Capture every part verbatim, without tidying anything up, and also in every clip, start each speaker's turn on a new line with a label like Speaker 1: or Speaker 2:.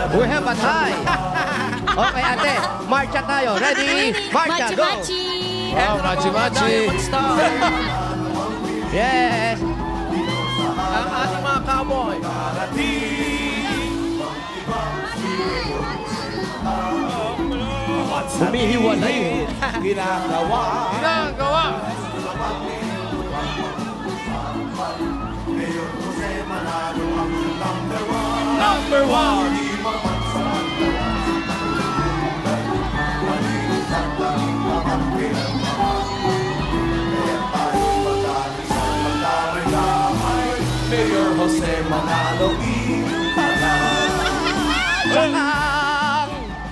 Speaker 1: We have a tie. Okay, ate. Marcha tayo. Ready? Marcha, go.
Speaker 2: Machi-machi!
Speaker 3: Wow, machi-machi.
Speaker 1: Yes.
Speaker 3: Ang ating mga cowboy.
Speaker 1: Humihiwalay eh.
Speaker 4: Ginagawa.
Speaker 3: Ginagawa. Number one.
Speaker 4: Mayor Jose Manalo.
Speaker 1: Sakang.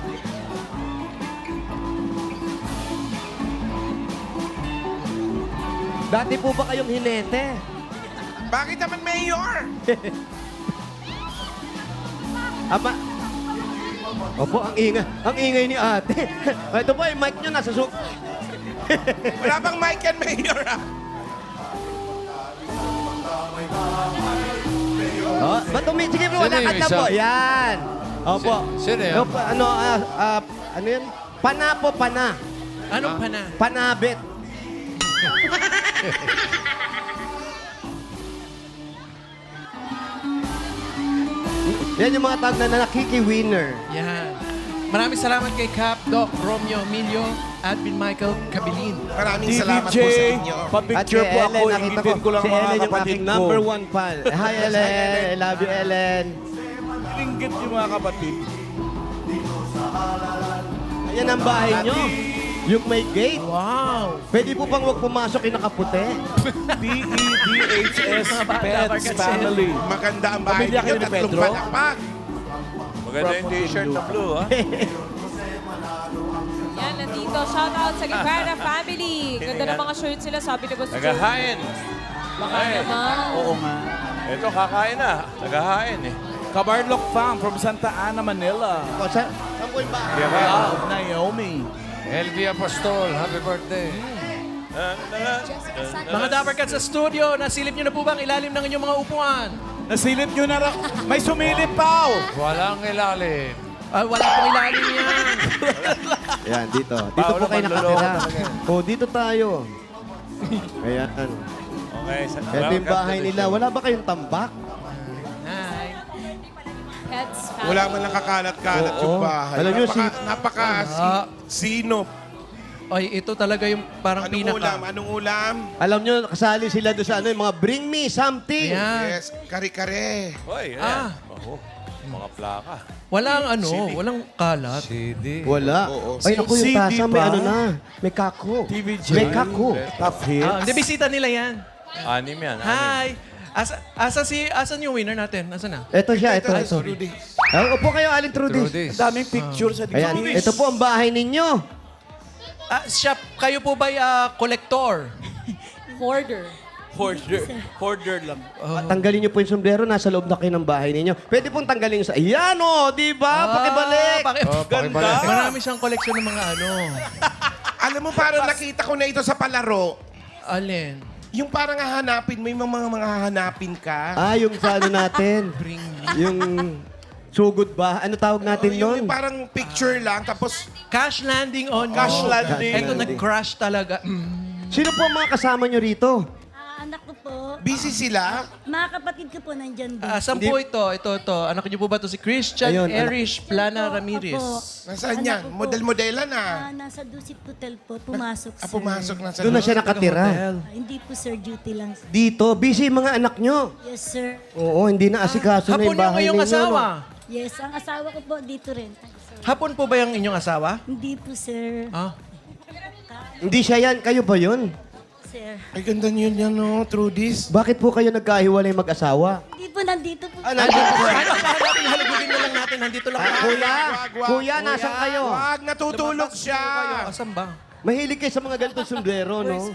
Speaker 1: Dati po ba kayong hinete?
Speaker 5: Bakit naman mayor?
Speaker 1: Ama. Opo, ang ingay, ang ingay ni ate. Ito po, yung mic nyo nasa su...
Speaker 5: Wala bang mic yan, mayor? ah?
Speaker 1: Oh, ba't umi... Sige bro,
Speaker 3: Sino
Speaker 1: wala
Speaker 3: yung
Speaker 1: ka na
Speaker 3: isa?
Speaker 1: po. Yan. Opo.
Speaker 3: Si- sino yan?
Speaker 1: Opo, ano, ah, ah, ano yan? Pana po, pana.
Speaker 3: Anong pana?
Speaker 1: Panabit. Yan yung mga tawag na nakiki-winner.
Speaker 6: Yan. Maraming salamat kay Cap, Doc, Romeo, Emilio, Admin Michael, Kabilin.
Speaker 5: Maraming
Speaker 4: D V
Speaker 5: salamat
Speaker 4: J,
Speaker 5: po sa inyo.
Speaker 1: At
Speaker 4: pa-picture
Speaker 1: kay
Speaker 4: po ako.
Speaker 1: Ellen, nakita
Speaker 4: Ingitin ko lang
Speaker 1: si
Speaker 4: mga
Speaker 1: Ellen yung
Speaker 4: kapatid
Speaker 1: aking
Speaker 4: ko.
Speaker 1: number one fan. Hi, Ellen. I love you, Ellen.
Speaker 4: Inggit yung mga kapatid.
Speaker 1: Ayan ang bahay nyo. Yung may gate.
Speaker 6: Wow!
Speaker 1: Pwede po bang huwag pumasok yung nakaputi?
Speaker 4: P E D H S Pets Family.
Speaker 5: Maganda ang bahay
Speaker 4: Pamilya
Speaker 5: niyo,
Speaker 4: kayo ni
Speaker 5: tatlong
Speaker 4: Pedro?
Speaker 5: palakpak.
Speaker 7: Maganda yung t-shirt na blue, ha?
Speaker 2: Yan, nandito. Shout out sa Guevara family. Ganda ng mga shirts sila. Sabi ni Boss Joe.
Speaker 7: Nagahain.
Speaker 2: Baka naman.
Speaker 4: Oo nga.
Speaker 7: Ito, kakain na. Nagahain, eh.
Speaker 4: Kabarlok Fam from Santa Ana, Manila.
Speaker 1: O, sa, saan po yung bahay?
Speaker 4: Wow, Naomi.
Speaker 3: L V Apostol, happy birthday.
Speaker 6: Mga Dapper Cats sa studio, nasilip nyo na po ba ang ilalim ng inyong mga upuan?
Speaker 4: Nasilip nyo na ra. May sumilip pa, oh.
Speaker 3: Walang ilalim.
Speaker 6: Ah, wala pong ilalim yan.
Speaker 1: Yan, dito. Dito
Speaker 7: Paolo,
Speaker 1: po kayo
Speaker 7: manloloko
Speaker 1: nakatira.
Speaker 7: talaga.
Speaker 1: O, dito tayo. Ayan.
Speaker 7: Okay. sa-
Speaker 1: Ito yung bahay nila. Wala ba kayong tambak?
Speaker 6: Hi.
Speaker 2: Pets family.
Speaker 5: Wala man lang kakalat-kalat
Speaker 1: Oo.
Speaker 5: yung bahay.
Speaker 1: Alam niyo,
Speaker 5: napaka,
Speaker 1: si-
Speaker 5: napaka
Speaker 6: Ah.
Speaker 5: si, sino?
Speaker 6: Ay, ito talaga yung parang
Speaker 5: Anong
Speaker 6: pinaka.
Speaker 5: ulam? Anong ulam?
Speaker 1: Alam nyo, kasali sila doon sa ano, yung mga bring me something.
Speaker 6: Ayan.
Speaker 5: Yes, kare-kare.
Speaker 7: Hoy,
Speaker 6: Ah.
Speaker 7: ayan. Oh, mga plaka.
Speaker 6: Walang ano, walang kalat.
Speaker 3: C D.
Speaker 1: Wala.
Speaker 5: Oo.
Speaker 1: Ay, naku, yung
Speaker 4: C D
Speaker 1: tasa may
Speaker 4: pa?
Speaker 1: ano na. May kako.
Speaker 4: T V J.
Speaker 1: May kako.
Speaker 4: Top hits.
Speaker 6: Ah, hindi, bisita nila yan.
Speaker 7: Anim yan. anim.
Speaker 6: Hi! Asa, asa si, asan yung winner natin? Asa na?
Speaker 1: Ito siya, ito,
Speaker 5: Ay,
Speaker 1: ito.
Speaker 5: Rudy.
Speaker 1: Ah, upo kayo, Aling Trudis.
Speaker 3: Trudis.
Speaker 4: Ang daming picture sa
Speaker 1: Ayan,
Speaker 4: dito.
Speaker 1: ito po ang bahay ninyo.
Speaker 6: Ah, siya, kayo po ba uh, collector?
Speaker 2: Hoarder.
Speaker 4: Hoarder. Hoarder lang.
Speaker 1: Tanggalin niyo po yung sombrero, nasa loob na kayo ng bahay ninyo. Pwede pong tanggalin sa... Ayan o, di ba? Pakibalik.
Speaker 6: Ah, paki-
Speaker 3: Oh, pakibalik.
Speaker 6: Marami siyang collection ng mga ano.
Speaker 5: Alam mo, parang nakita ko na ito sa palaro.
Speaker 6: Alin?
Speaker 5: Yung parang hahanapin, may mga mga, mga hahanapin ka.
Speaker 1: Ah, yung sa ano natin.
Speaker 6: Bring me.
Speaker 1: Yung sugod ba? Ano tawag natin
Speaker 5: yung,
Speaker 1: nun?
Speaker 5: yung parang picture lang, tapos
Speaker 6: Cash landing on
Speaker 4: Cash
Speaker 6: you.
Speaker 4: landing.
Speaker 6: Ito, nag-crash talaga. Mm.
Speaker 1: Sino po ang mga kasama nyo rito?
Speaker 8: Ah, anak ko po.
Speaker 5: busy sila.
Speaker 8: Mga kapatid ko po nandyan din.
Speaker 6: Ah, saan po ito? Ito, ito. Anak niyo po ba ito? Si Christian
Speaker 1: Ayun, anak-
Speaker 6: Erich Plana
Speaker 8: Opo.
Speaker 6: Ramirez.
Speaker 5: Nasaan
Speaker 8: Anak
Speaker 5: yan?
Speaker 8: ko po.
Speaker 5: Model-modelan
Speaker 8: Ah,
Speaker 5: ah.
Speaker 8: nasa Dusit Hotel po. Pumasok,
Speaker 5: Ah,
Speaker 8: sir.
Speaker 5: pumasok na sa
Speaker 1: Doon na siya nakatira.
Speaker 8: Ah, hindi po, sir. Duty lang.
Speaker 1: Dito, busy yung mga anak nyo.
Speaker 8: Yes, sir.
Speaker 1: Oo, hindi na asikaso na
Speaker 6: Hapon
Speaker 1: yung
Speaker 6: yung
Speaker 1: bahay
Speaker 6: iyong
Speaker 1: ninyo.
Speaker 6: asawa.
Speaker 1: no?
Speaker 8: Yes, ang asawa ko po dito rin. Sir.
Speaker 6: Hapon po ba yung inyong asawa?
Speaker 8: Hindi po, sir.
Speaker 6: Ah.
Speaker 1: Hindi siya yan, kayo ba yun?
Speaker 8: Sir.
Speaker 5: Ay, ganda niyo yan, no, Trudis.
Speaker 1: Bakit po kayo nagkahiwalay mag-asawa?
Speaker 8: Hindi po, nandito po.
Speaker 1: Ah, nandito po.
Speaker 6: Ano natin halugugin na lang natin. Nandito lang.
Speaker 1: Ah, kuya,
Speaker 5: Wag, wag,
Speaker 1: kuya, nasan kayo?
Speaker 5: Wag, natutulog siya.
Speaker 6: Asan ba?
Speaker 1: Mahilig kayo sa mga ganitong sombrero, no?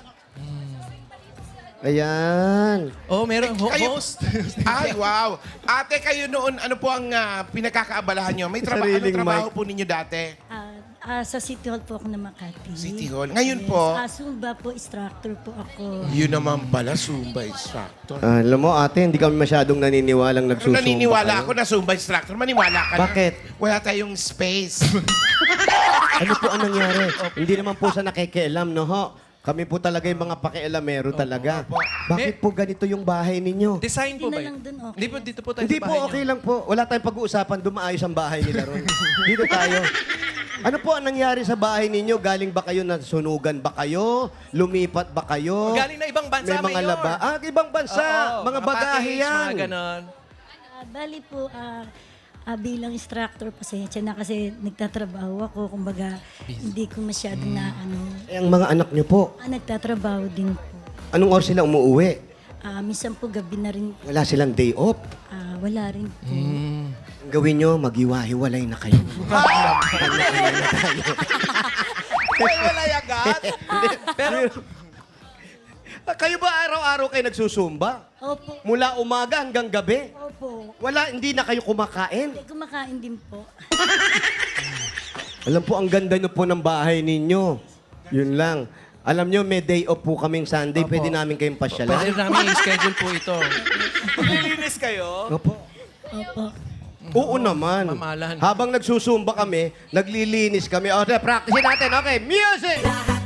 Speaker 1: Ayan.
Speaker 6: Oh, meron ho-
Speaker 5: Kayo-
Speaker 6: host.
Speaker 5: Ay, wow. Ate, kayo noon, ano po ang ah, pinagkakaabalahan nyo? May trabaho, ano
Speaker 1: Sariling
Speaker 5: trabaho
Speaker 1: mic.
Speaker 5: po ninyo dati?
Speaker 8: Ah, Ah, sa City Hall po ako na Makati.
Speaker 5: City Hall. Ngayon po?
Speaker 8: Ah, Zumba po, instructor po ako.
Speaker 5: Yun naman pala, Zumba instructor.
Speaker 1: Ah, alam mo, ate, hindi kami masyadong naniniwalang
Speaker 5: Pero
Speaker 1: nagsusumba.
Speaker 5: naniniwala
Speaker 1: kayo.
Speaker 5: ako na Zumba instructor. Maniwala ka na.
Speaker 1: Bakit?
Speaker 5: Wala tayong space.
Speaker 1: Ano po ang nangyari? Hindi naman po sa nakikialam, no ho? Kami po talaga yung mga pakialamero talaga. Bakit po ganito yung bahay ninyo?
Speaker 6: Design po
Speaker 8: Hindi
Speaker 6: ba
Speaker 8: na
Speaker 6: yun?
Speaker 8: lang dun, okay.
Speaker 6: Hindi po, dito po tayo
Speaker 1: Hindi
Speaker 6: sa
Speaker 1: po,
Speaker 6: bahay
Speaker 1: okay
Speaker 6: niyo.
Speaker 1: lang po. Wala tayong pag-uusapan. Dumaayos ang bahay nila ron. Dito tayo. Ano po ang nangyari sa bahay ninyo? Galing ba kayo, nasunugan ba kayo? Lumipat ba kayo?
Speaker 6: Galing na ibang bansa,
Speaker 1: May mga
Speaker 6: Mayor.
Speaker 1: laba. Ah, ibang bansa.
Speaker 6: Oo,
Speaker 1: mga bagahe
Speaker 6: package,
Speaker 1: yan.
Speaker 6: Mga ganon.
Speaker 8: Ah, bali po, ah, ah, bilang instructor, pasensya na kasi nagtatrabaho ako. Kumbaga, hindi ko masyadong na ano.
Speaker 1: Eh, ang mga anak nyo po,
Speaker 8: Ah, nagtatrabaho din po.
Speaker 1: anong oras sila umuuwi?
Speaker 8: Ah, minsan po gabi na rin,
Speaker 1: Wala silang day off.
Speaker 8: ah, wala rin po.
Speaker 1: Ang gawin nyo, maghiwa-hiwalay na kayo. Kanya-kanya na tayo.
Speaker 6: Wala agad. Pero,
Speaker 1: Ah, kayo ba araw-araw kayo nagsusumba?
Speaker 8: Opo.
Speaker 1: Mula umaga hanggang gabi?
Speaker 8: Opo.
Speaker 1: Wala, hindi na kayo kumakain?
Speaker 8: Hindi, kumakain din po.
Speaker 1: Alam po, ang ganda nyo po ng bahay ninyo. Yun lang. Alam nyo, may day off po kaming Sunday. Pwede namin kayong
Speaker 6: pwede
Speaker 1: pasyalan.
Speaker 6: namin i-schedule po ito.
Speaker 3: Maglilinis kayo?
Speaker 1: Opo.
Speaker 8: Opo.
Speaker 1: Oo naman.
Speaker 6: Mamalan.
Speaker 1: Habang nagsusumba kami, naglilinis kami. O, okay, practice natin. Okay, music!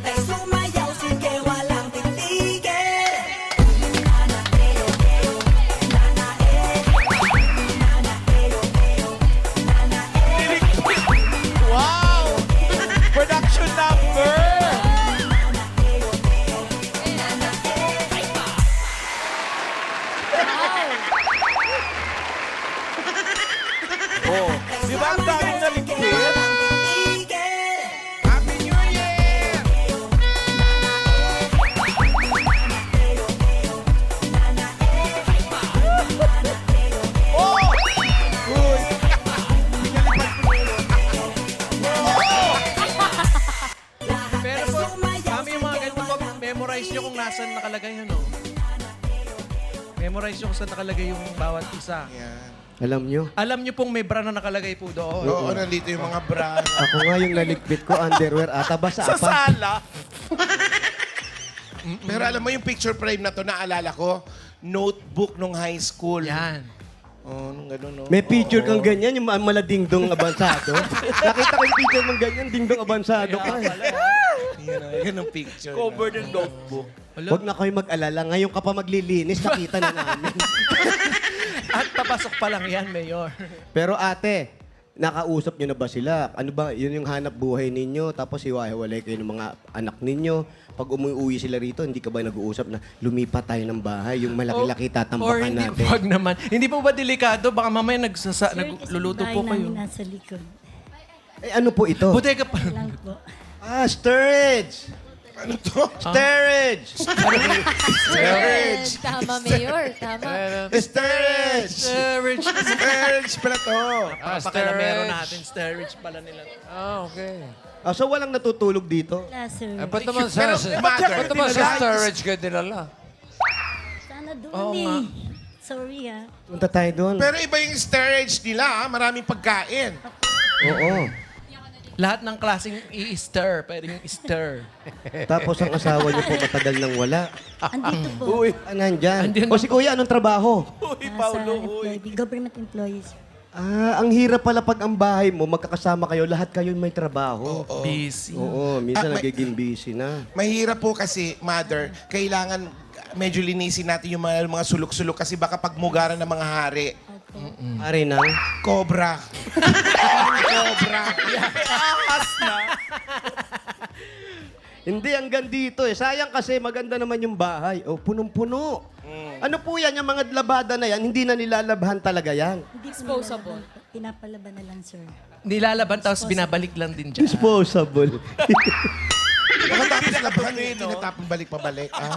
Speaker 3: Wow! Production number! Oh, di ba ang daming naligpit?
Speaker 5: Happy New Year!
Speaker 3: Oh! Uy!
Speaker 6: Pero po, kami yung mga ganito po, memorize nyo kung nasan nakalagay yun, no? Memorize nyo kung saan nakalagay yung bawat isa.
Speaker 5: Yan.
Speaker 1: Alam nyo,
Speaker 6: Alam nyo pong may bra na nakalagay po doon.
Speaker 5: Oo, nandito yung mga bra.
Speaker 1: ako nga yung naligpit ko, underwear ata. Basa
Speaker 3: Sa
Speaker 1: pa.
Speaker 3: sala?
Speaker 5: Pero alam mo yung picture frame na to, naalala ko, notebook nung high school.
Speaker 6: Yan.
Speaker 5: Oh, nung gano'n, no?
Speaker 1: May picture kang ganyan, yung ma- maladingdong abansado. Nakita ko yung picture mong ganyan, dingdong abansado ka.
Speaker 5: Yan, oh, ganun picture.
Speaker 3: Cover ng notebook.
Speaker 1: Huwag na kayo mag-alala. Ngayon ka pa maglilinis, nakita na namin.
Speaker 6: At papasok pa lang yan, Mayor.
Speaker 1: Pero ate, nakausap nyo na ba sila? Ano ba, yun yung hanap buhay ninyo? Tapos iwahiwalay kayo ng mga anak ninyo. Pag umuwi sila rito, hindi ka ba nag-uusap na lumipat tayo ng bahay? Yung malaki-laki
Speaker 6: Or
Speaker 1: tatambakan
Speaker 6: hindi,
Speaker 1: natin.
Speaker 6: wag naman. Hindi po ba delikado? Baka mamaya nagsasa,
Speaker 8: Sir, kasi
Speaker 6: nagluluto
Speaker 8: bahay
Speaker 6: po kayo.
Speaker 8: namin nasa likod.
Speaker 1: Eh, ano po ito?
Speaker 6: Bodega pa.
Speaker 8: Lang po.
Speaker 1: Ah, storage!
Speaker 5: Ano to?
Speaker 1: Storage!
Speaker 5: Storage!
Speaker 2: Tama, Mayor. Tama.
Speaker 1: Storage!
Speaker 6: Storage.
Speaker 5: Storage pala to.
Speaker 6: Ah, pakilamero natin. Storage pala nila.
Speaker 3: Ah, okay.
Speaker 1: Ah, so walang natutulog dito?
Speaker 8: Wala, sir.
Speaker 3: Eh, ba't naman sa,
Speaker 5: Pero,
Speaker 3: sa,
Speaker 5: mother,
Speaker 3: ba't naman sa
Speaker 5: dinala-
Speaker 3: storage kayo dinala?
Speaker 8: Sana doon
Speaker 6: Oo
Speaker 8: eh.
Speaker 6: nga.
Speaker 8: Sorry ah.
Speaker 1: Punta tayo doon.
Speaker 5: Pero iba yung storage nila, ah. Maraming pagkain.
Speaker 1: Oo.
Speaker 6: Lahat ng klaseng i-stir. Pwedeng i-stir.
Speaker 1: Tapos ang asawa niyo po matagal nang wala.
Speaker 8: Andito po.
Speaker 1: Ah, nandyan.
Speaker 6: Andyan
Speaker 1: O si kuya, anong trabaho?
Speaker 8: Nasa employee, government employees.
Speaker 1: Ah, ang hirap pala pag ang bahay mo, magkakasama kayo, lahat kayo may trabaho.
Speaker 6: Busy.
Speaker 1: Oo, minsan
Speaker 5: Ah, may-
Speaker 1: nagiging busy na.
Speaker 5: Mahirap po kasi, mother, kailangan medyo linisin natin yung mga, mga sulok-sulok kasi baka pagmugaran ng mga hari.
Speaker 1: Pare na.
Speaker 5: Cobra. Cobra.
Speaker 1: Hindi, hanggang dito eh. Sayang kasi maganda naman yung bahay. O, punong-puno. Ano po yan, yung mga labada na yan, hindi na nilalabhan talaga yan.
Speaker 8: Hindi po
Speaker 2: Disposable.
Speaker 8: nilalaban po. Pinapalaban na lang, sir.
Speaker 6: Nilalaban tapos binabalik lang din dyan.
Speaker 1: Disposable.
Speaker 5: Pagkatapos laban, eh, tinatapon balik pabalik. Ah.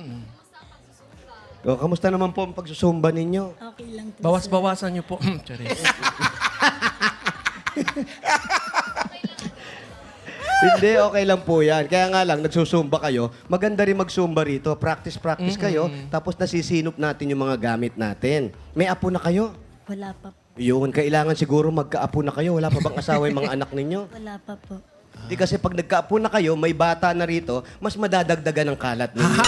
Speaker 1: o, kamusta naman po ang pagsusumba ninyo?
Speaker 8: Okay lang po, sir.
Speaker 6: Bawas-bawasan niyo po. Charis.
Speaker 1: Hindi, okay lang po yan. Kaya nga lang, nagsusumba kayo. Maganda rin magsumba rito. Practice-practice kayo. Tapos nasisinop natin yung mga gamit natin. May apo na kayo?
Speaker 8: Wala pa po.
Speaker 1: Yun, kailangan siguro magkaapo na kayo. Wala pa bang asawa yung mga anak ninyo?
Speaker 8: Wala pa po.
Speaker 1: Hindi kasi pag nagkaapo na kayo, may bata na rito, mas madadagdagan ng kalat ninyo.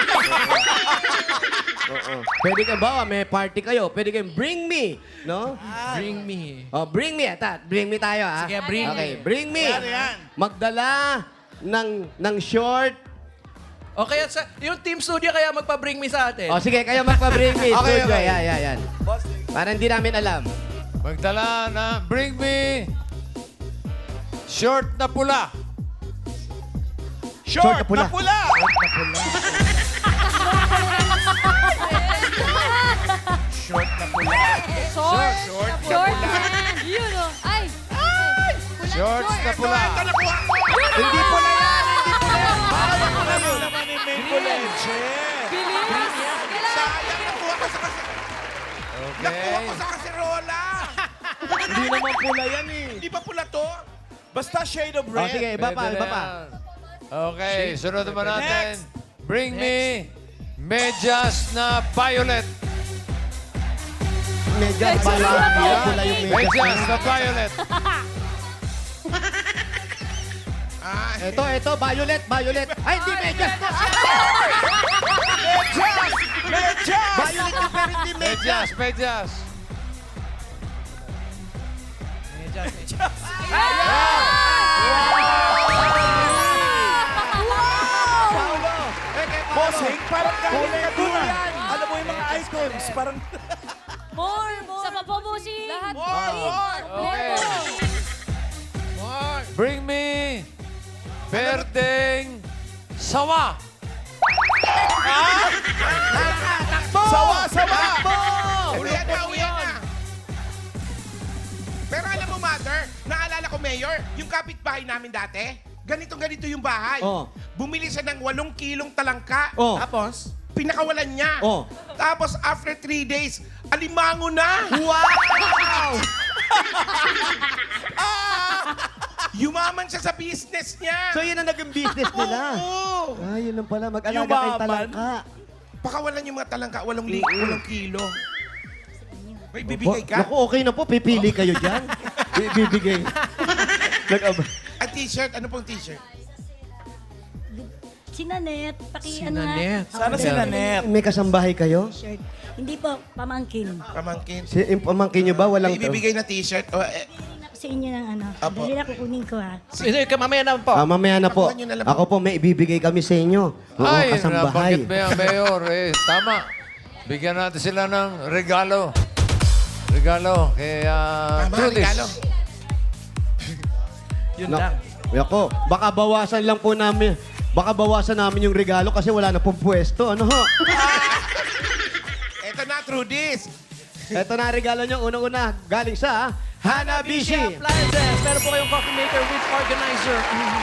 Speaker 1: Oo. Pwede ka ba, may party kayo, pwede kayong bring me, no?
Speaker 6: Bring me.
Speaker 1: Oh, bring me, atat. Bring me tayo, ah.
Speaker 6: Sige, bring
Speaker 1: okay,
Speaker 6: me.
Speaker 1: bring me. Magdala ng ng short.
Speaker 6: O kaya sa, yung team studio kaya magpa-bring me sa atin.
Speaker 1: O sige, kayo magpa-bring me.
Speaker 4: Okay,
Speaker 1: Studio.
Speaker 4: okay.
Speaker 1: Yan, yan, yan. Para hindi namin alam.
Speaker 3: Magdala na, bring me short na pula.
Speaker 1: Short na pula.
Speaker 4: pula.
Speaker 5: Short na pula.
Speaker 2: Short.
Speaker 5: Short na
Speaker 2: Short
Speaker 5: pula.
Speaker 2: man. Yun o. Ay. Ay.
Speaker 3: Shorts na pula.
Speaker 5: Ito, nakuha ko.
Speaker 1: Hindi pula yan, hindi pula yan.
Speaker 4: Ano naman ni Maple Leche?
Speaker 2: Bilis.
Speaker 5: Sayang, nakuha ko sa kasi... Nakuha
Speaker 3: Okay.
Speaker 5: ko sa kaserola.
Speaker 1: Hindi naman pula yan eh.
Speaker 5: Hindi ba pula to?
Speaker 4: Basta shade of
Speaker 1: O
Speaker 4: red.
Speaker 1: sige, iba pa,
Speaker 3: Pwede
Speaker 1: iba
Speaker 3: na
Speaker 1: pa.
Speaker 3: yan. Okay, sunod naman natin.
Speaker 4: Next.
Speaker 3: Bring me medyas na violet.
Speaker 1: Medyas
Speaker 2: Medyas
Speaker 1: pala.
Speaker 2: na
Speaker 1: Hindi
Speaker 2: pula.
Speaker 1: pula yung medyas.
Speaker 3: Medyas na violet.
Speaker 5: Ah,
Speaker 1: Ito, ito, violet, violet. Ay, hindi medyas to.
Speaker 4: Medyas! Medyas!
Speaker 1: Violet yung pero hindi medyas.
Speaker 3: Medyas, medyas.
Speaker 1: Paulo. Eh, kay Paulo.
Speaker 4: Bossing, parang galing
Speaker 1: Kulay
Speaker 4: ka dun ah.
Speaker 1: yan.
Speaker 4: Alam mo yung mga ice creams, parang...
Speaker 2: More, more. Sa papobusi. Lahat.
Speaker 5: more, more.
Speaker 3: Okay. Bring me berdeng sawa.
Speaker 4: Sawa, sawa!
Speaker 5: Ito yan na, uwi yan na. Pero alam mo, Mother, naalala ko, Mayor, yung kapitbahay namin dati, ganito-ganito yung bahay.
Speaker 1: Oh.
Speaker 5: Bumili siya ng walong kilong talangka.
Speaker 1: Oh.
Speaker 5: Tapos, pinakawalan niya.
Speaker 1: Oh.
Speaker 5: Tapos, after three days, alimango na.
Speaker 1: Wow!
Speaker 5: Yumaman siya sa business niya.
Speaker 1: So yun ang naging business nila.
Speaker 5: Oo.
Speaker 1: Ah, yun lang pala. Mag-alaga kay
Speaker 4: Yumaman.
Speaker 1: talangka.
Speaker 5: Pakawalan yung mga talangka, walong, li- walong kilo. May bibigay ka?
Speaker 1: Naku, okay na po. Pipili kayo dyan. Bibigay. Nag-
Speaker 5: At t-shirt, ano pong t-shirt?
Speaker 8: Si Nanette, paki
Speaker 6: Si
Speaker 8: ano nga.
Speaker 6: Nanette.
Speaker 4: Sana si Nanette.
Speaker 1: May kasambahay kayo?
Speaker 8: Shirt. Hindi po, pamangkin.
Speaker 5: Pamangkin.
Speaker 1: Si, yung pamangkin nyo ba? Walang...
Speaker 5: May ibibigay na t-shirt? O, eh,
Speaker 8: Sa inyo ng ano.
Speaker 5: Apo.
Speaker 8: Dali na kukunin ko ha.
Speaker 6: Ito, mamaya na po.
Speaker 1: Ah, mamaya na po.
Speaker 5: Nakuha nyo na lang.
Speaker 1: Ako po, may ibibigay kami sa inyo. Oo,
Speaker 3: Ay,
Speaker 1: kasambahay.
Speaker 3: nabanggit mo yan, Mayor. Eh, tama. Bigyan natin sila ng regalo. Regalo kay uh,
Speaker 5: Tama,
Speaker 3: Judith.
Speaker 5: regalo.
Speaker 6: Yun
Speaker 1: Nak-
Speaker 6: lang.
Speaker 1: Yako, baka bawasan lang po namin. Baka bawasan namin yung regalo kasi wala na pong pwesto. Ano ho?
Speaker 5: Eto na, through this.
Speaker 1: Ito na ang regalo nyo. Unang-una, galing sa Hanabishi.
Speaker 6: Appliances. Meron po kayong coffee maker with organizer.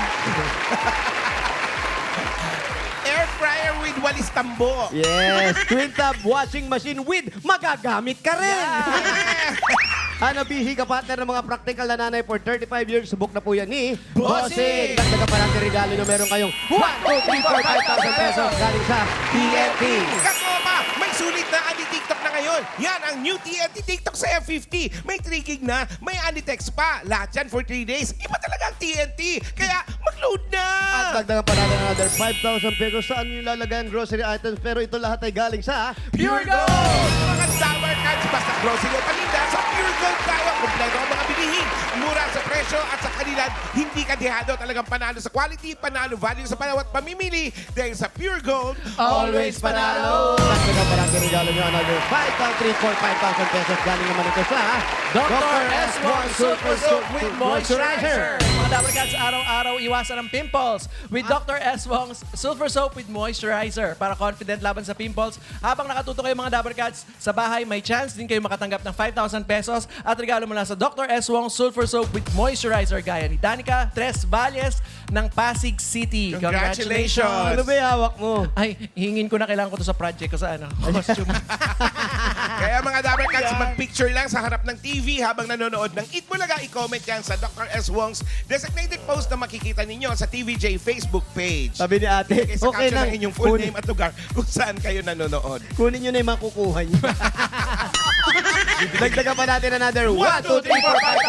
Speaker 5: Air fryer with walis tambo.
Speaker 1: Yes, twin tub washing machine with magagamit ka rin. Hanabishi, kapatner ng mga practical na nanay for thirty-five years. Subok na po yan ni
Speaker 5: Bossing!
Speaker 1: Dagdagan pa natin regalo nyo. Meron kayong one, two, three, four, five thousand pesos galing sa T N T.
Speaker 5: Kasama, may sulit na anti-TikTok na ngayon. Yan ang new T N T TikTok sa F fifty. May three gig na, may anti-text pa. Lahat yan for three days. Iba talaga ang T N T. Kaya mag-load na!
Speaker 1: At dagdagan pa natin another five thousand pesos. Saan nyo lalagay ang grocery items? Pero ito lahat ay galing sa
Speaker 5: Pure Gold! Mga Tower Cards, basta grocery o palinda, sa Pure Gold tayo. Kompleto ang mga bilihin. Mura sa presyo at sa kalidad. Hindi ka dehado. Talagang panalo sa quality, panalo value sa bawat pamimili. Dahil sa Pure Gold,
Speaker 6: Always panalo.
Speaker 1: Dagdagan pa natin regalo nyo another five thousand, three, four, five thousand pesos. Galing naman ito sa
Speaker 6: Doctor S one Super Soap with Moisturizer. Mga Dabber Cats, araw-araw iwasan ang pimples with Doctor S one Sulfur Soap with Moisturizer para confident laban sa pimples. Habang nakatuto kayo mga Dabber Cats, sa bahay may chance din kayo makatanggap ng five thousand pesos at regalo mula sa Doctor S one Sulfur Soap with Moisturizer gaya ni Danica Tres Valles ng Pasig City.
Speaker 5: Congratulations!
Speaker 1: Ano ba yung hawak mo?
Speaker 6: Ay, hingin ko na kailangan ko to sa project ko sa ano, costume.
Speaker 5: Kaya mga Dabber Cats, mag-picture lang sa harap ng T V habang nanonood ng Eat Bulaga. I-comment yan sa Doctor S. Wong's designated post na makikita ninyo sa T V J Facebook page.
Speaker 1: Sabi ni ate,
Speaker 5: Ilagay sa
Speaker 1: okay
Speaker 5: caption
Speaker 1: lang.
Speaker 5: ng inyong full
Speaker 1: Kunin,
Speaker 5: name at lugar kung saan kayo nanonood.
Speaker 1: kunin nyo na yung makukuha nyo. Dagdagan pa natin another one, two, three, four, five thousand pesos.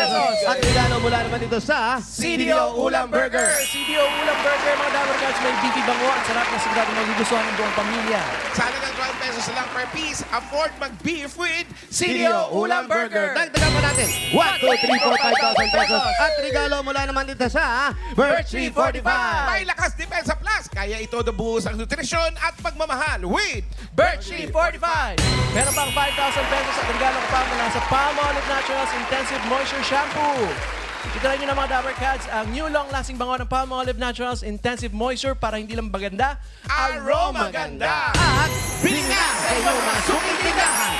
Speaker 6: pesos.
Speaker 1: At regalo mula naman dito sa
Speaker 6: C D O Ulam Burger. C D O Ulam Burger, mga Dabber Cats, may beefy bango at sarap na sigurado magugustuhan ng buong pamilya.
Speaker 5: Sa halagang twelve pesos lang per piece, afford mag-beef with
Speaker 6: C D O Ulam Burger.
Speaker 1: Dagdagan pa natin. one, two, three, four, five thousand pesos. At regalo mula naman dito sa Birch three forty-five.
Speaker 5: May Lakas Depensa Plus. Kaya ito nabuhos ang nutrisyon at pagmamahal with
Speaker 6: Birch three forty-five. Meron pang five thousand pesos at regalo ko pa mula sa Palmolive Naturals Intensive Moisture Shampoo. Itry nyo na mga Dabber Cats ang new long-lasting bango ng Palmolive Naturals Intensive Moisture para hindi lang maganda,
Speaker 5: Aroma Ganda.
Speaker 1: At bili na sa inyong mga suking tindahan.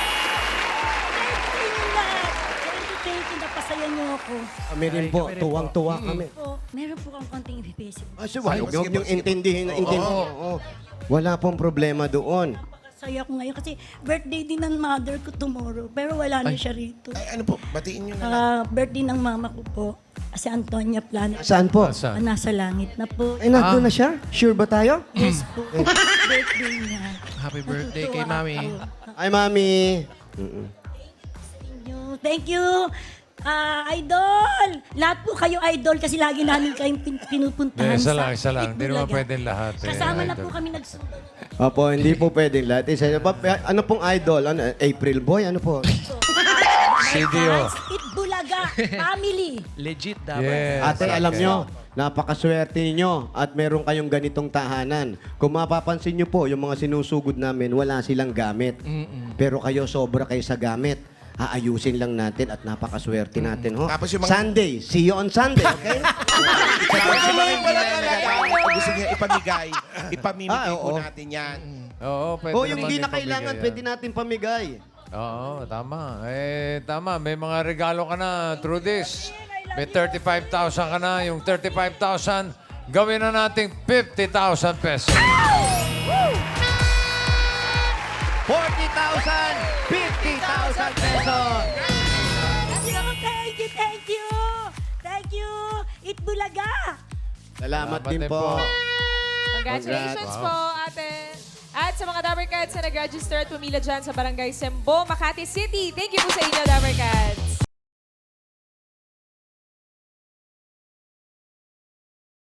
Speaker 8: Thank you lahat. Thank you, thank you. Napasaya niyo ako.
Speaker 1: Kami rin po, tuwang-tuwa kami.
Speaker 8: Po, meron po kang konting ibibigay.
Speaker 1: Ah, so, wala huwag niyong intindihin. intindihin. Oo. Wala pong problema doon.
Speaker 8: Saya ko ngayon kasi birthday din ng mother ko tomorrow. Pero wala na siya rito.
Speaker 5: Ay, ano po, batiin nyo na lang.
Speaker 8: Ah, birthday ng mama ko po. Si Antonia Planet.
Speaker 1: Saan po?
Speaker 3: Saan?
Speaker 8: Ah, nasa langit na po.
Speaker 1: Ay, nandun na siya? Sure ba tayo?
Speaker 8: Yes po. Birthday niya.
Speaker 6: Happy birthday kay
Speaker 8: Natutuwa
Speaker 6: Mami.
Speaker 8: ako.
Speaker 1: Ay, mami. Mm-mm.
Speaker 8: Thank you. Thank you. Ah, idol! Lahat po kayo idol kasi lagi namin kayong pin- pinupuntahan
Speaker 3: Eh, isa
Speaker 8: sa
Speaker 3: lang, isa lang. Hindi naman
Speaker 8: Itbulaga.
Speaker 3: pwedeng lahat, eh,
Speaker 8: Kasama na
Speaker 3: idol.
Speaker 8: po kami nagsunod.
Speaker 1: Opo, hindi po pwedeng lahat. Isa, pa- ano pong idol? Ano, April Boy? Ano po?
Speaker 3: C D O.
Speaker 8: Itbulaga family.
Speaker 6: Legit Dabber.
Speaker 3: Yes.
Speaker 1: Ate, alam
Speaker 3: okay.
Speaker 1: nyo, napakaswerte ninyo at meron kayong ganitong tahanan. Kung mapapansin nyo po, yung mga sinusugod namin, wala silang gamit. Pero kayo, sobra kayo sa gamit. Aayusin lang natin at napakaswerte natin. Ho?
Speaker 5: Tapos yung mga-
Speaker 1: Sunday, see you on Sunday, okay?
Speaker 5: Tapos yung mga hindi na nagagamit, kung gusto niya ipamigay, ipamimigay
Speaker 1: Ah,
Speaker 5: po
Speaker 1: oo.
Speaker 5: natin yan.
Speaker 3: Oo, pwede
Speaker 1: O yung
Speaker 3: naman
Speaker 1: hindi
Speaker 3: din
Speaker 1: na kailangan,
Speaker 3: pamigay
Speaker 1: pwede
Speaker 3: yan.
Speaker 1: natin pamigay.
Speaker 3: Oo, tama. Eh, tama. May mga regalo ka na through this. May thirty-five thousand ka na. Yung thirty-five thousand, gawin na nating fifty thousand pesos.
Speaker 1: forty thousand, fifty thousand pesos.
Speaker 8: Thank you, thank you. Thank you. Itbulaga.
Speaker 1: Salamat
Speaker 3: Salamat
Speaker 1: din
Speaker 3: din
Speaker 1: po.
Speaker 3: po.
Speaker 2: Congratulations
Speaker 3: Congrats.
Speaker 2: po, ate. At sa mga Dabber Cats na nag-register at pumila dyan sa Barangay Sembo, Makati City, thank you po sa inyo, Dabber Cats.